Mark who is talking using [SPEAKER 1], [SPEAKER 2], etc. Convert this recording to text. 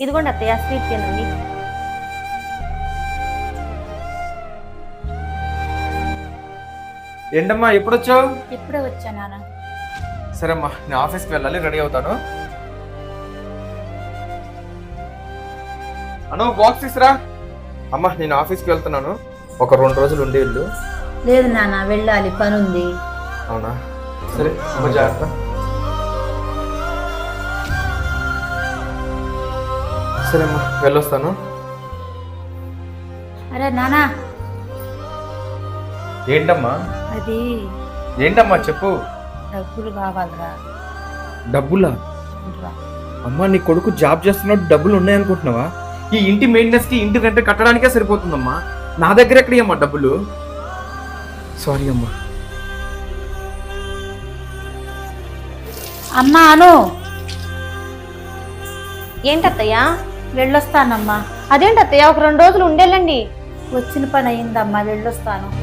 [SPEAKER 1] ఇదిగోండి అత్తయ్య స్వీట్ తినండి.
[SPEAKER 2] ఏంటమ్మా ఎప్పుడొచ్చావు?
[SPEAKER 1] ఇప్పుడే వచ్చా నాన్న.
[SPEAKER 2] సరే అమ్మా, నేను ఆఫీస్కి వెళ్ళాలి, రెడీ అవుతాను. అను బాక్స్ తీసురా. అమ్మా నేను ఆఫీస్కి వెళ్తున్నాను, ఒక 2 రోజులు ఉండి వెళ్ళు.
[SPEAKER 3] లేదు నాన్న, వెళ్ళాలి, పని ఉంది.
[SPEAKER 2] అవునా, సరే అమ్మ జాగ్రత్త. సరే అమ్మా వెళ్ళొస్తాను.
[SPEAKER 3] అరే నానా,
[SPEAKER 2] ఏంటమ్మా?
[SPEAKER 3] అది
[SPEAKER 2] ఏంటమ్మా చెప్పు.
[SPEAKER 3] డబ్బులు కావాలరా.
[SPEAKER 2] డబ్బులా? అమ్మా నీ కొడుకు జాబ్ చేస్తున్నాడు, డబ్బులు ఉన్నాయనుకుంటున్నావా? ఈ ఇంటి మెయింటెనెన్స్ కి, ఇంటి రెంట్ కట్టడానికే సరిపోతుందమ్మా. నా దగ్గర ఎక్కడమ్మా డబ్బులు? సారీ అమ్మా.
[SPEAKER 3] అమ్మా అను,
[SPEAKER 1] ఏంటత్తయ్యా?
[SPEAKER 3] వెళ్ళొస్తానమ్మా.
[SPEAKER 1] అదేంటత్తయ్య, ఒక 2 రోజులు ఉండేళ్ళండి.
[SPEAKER 3] వచ్చిన పని అయిందమ్మా, వెళ్ళొస్తాను.